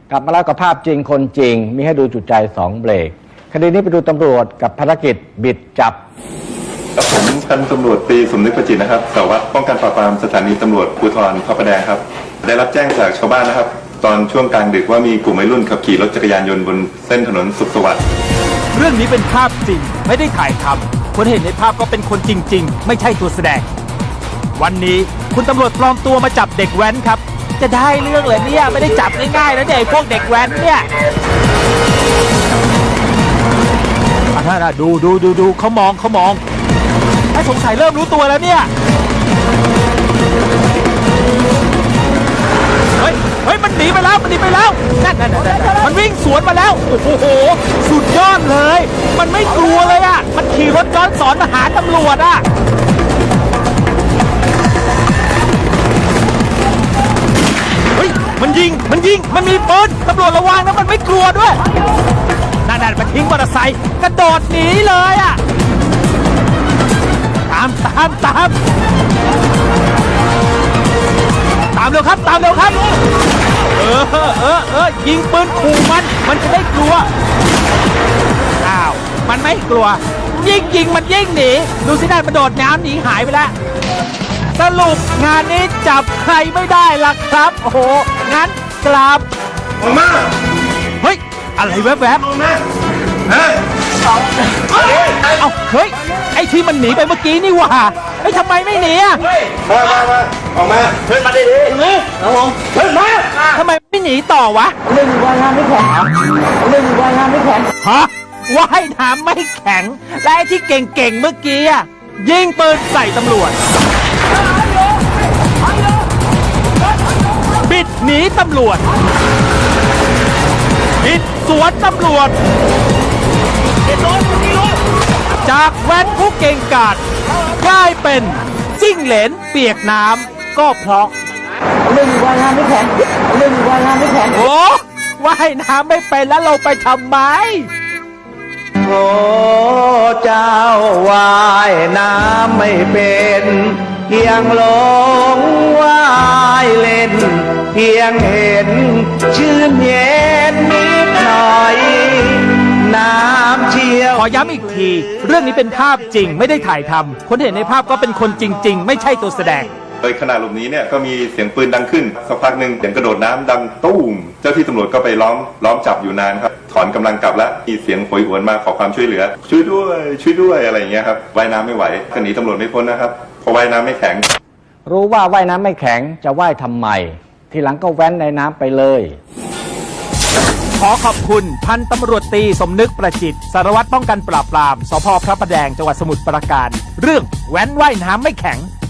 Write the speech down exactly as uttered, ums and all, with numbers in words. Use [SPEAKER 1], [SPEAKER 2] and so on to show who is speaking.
[SPEAKER 1] กลับมาแล้วกับภาพจริงคนจริงมีให้ดูจุดใจสองเบรกคดีนี้ไปดูตำรวจกับภารกิจบิดจับ
[SPEAKER 2] ครับผมพันตำรวจตรีสมนึกประจิตนะครับสารวัตรป้องกันปราบปรามสถานีตำรวจภูธรพระประแดงครับได้รับแจ้งจากชาวบ้านนะครับตอนช่วงกลางดึกว่ามีกลุ่มวัยรุ่นขับขี่รถจักรยานยนต์บนเส้นถนนสุขสวัสดิ์
[SPEAKER 3] เรื่องนี้เป็นภาพจริงไม่ได้ถ่ายทำคนเห็นในภาพก็เป็นคนจริงๆไม่ใช่ตัวแสดงวันนี้คุณตำรวจปลอมตัวมาจับเด็กแว้นครับจะได้เรื่องเลยเนี่ยไม่ได้จับง่ายๆนะเนี่ยพวกเด็กแว้นเนี่ยอ่ะดูดูดูดูเขามองเขามองไอ้สงสัยเริ่มรู้ตัวแล้วเนี่ยเฮ้ยเฮ้ยมันหนีไปแล้วมันหนีไปแล้วนั่นนั่นมันวิ่งสวนมาแล้วโอ้โหสุดยอดเลยมันไม่กลัวเลยอ่ะมันขี่รถย้อนสอนมาหาตำรวจอ่ะเฮ้ยมันยิงมันยิงมันมีปืนตำรวจระวังนะมันไม่กลัวด้วยนั่นนั่นมันทิ้งมอเตอร์ไซค์กระโดดหนีเลยอ่ะตามตามตามตามเร็วครับตามเร็วครับเออเออเออยิงปืนขู่มันมันจะได้กลัวอ้าวมันไม่กลัวยิ่งยิงมันยิ่งหนีดูสิได้มันโดดน้ำหนีหายไปแล้วสรุปงานนี้จับใครไม่ได้ล่ะครับโอ้โหงั้นกลับออกมาเฮ้ยอะไรแวบๆเฮ้ยเอาเฮ้ยไอ้ที่มันหนีไปเมื่อกี้นี่หว่าไอ้ทำไมไม่หนีอ่ะ
[SPEAKER 2] มามามาออกมาเฮ้ยมาดิดิครับผมเฮ้ยมา
[SPEAKER 3] ทำไมไม่หนีต่อวะ
[SPEAKER 1] เรื่องว่ายน้ำไม่แข็งเรื่องว่ายน้ำไม่แข็ง
[SPEAKER 3] ฮะว่ายน้ำไม่แข็งและไอ้ที่เก่งๆเมื่อกี้อ่ะยิงปืนใส่ตำรวจบิดหนีตำรวจบิดสวนตำรวจจากแว้นผู้เก่งกาจกลายเป็นจิ้งเหลนเปียกน้ำก็เพราะ
[SPEAKER 1] เรื่องว่ายน้ำไม่แข็งเรื่องว่ายน้ำไม่แข็ง
[SPEAKER 3] โอ้ว่ายน้ำไม่เป็นแล้วเราไปทำไม
[SPEAKER 4] โอ้เจ้าว่ายน้ำไม่เป็นเพียงหลงว่ายเล่นเพียงเห็นชื่นเย็นนิดหน่อยน้ำเชี่ยว
[SPEAKER 3] ขอย้ำอีกทีเรื่องนี้เป็นภาพจริงไม่ได้ถ่ายทำคนเห็นในภาพก็เป็นคนจริงๆไม่ใช่ตัวแสดง
[SPEAKER 2] โดยขณะหลบหนีเนี่ยก็มีเสียงปืนดังขึ้นสักพักหนึ่งเสียงกระโดดน้ำดังตุ้มเจ้าที่ตำรวจก็ไปล้อมล้อมจับอยู่นานครับถอนกำลังกลับแล้วมีเสียงโหยหวนมาขอความช่วยเหลือช่วยด้วยช่วยด้วยอะไรอย่างเงี้ยครับว่ายน้ำไม่ไหวก็หนีตำรวจไม่พ้นนะครับเพราะว่ายน้ำไม่แข็ง
[SPEAKER 1] รู้ว่าว่ายน้ำไม่แข็งจะว่ายทำไมทีหลังก็แว้นในน้ำไปเลย
[SPEAKER 3] ขอขอบคุณพันตำรวจตรีสมนึกประจิตสารวัตรป้องกันปราบปรามสภ.พระประแดงจังหวัดสมุทรปราการเรื่องแว้นว่ายน้ำไม่แข็ง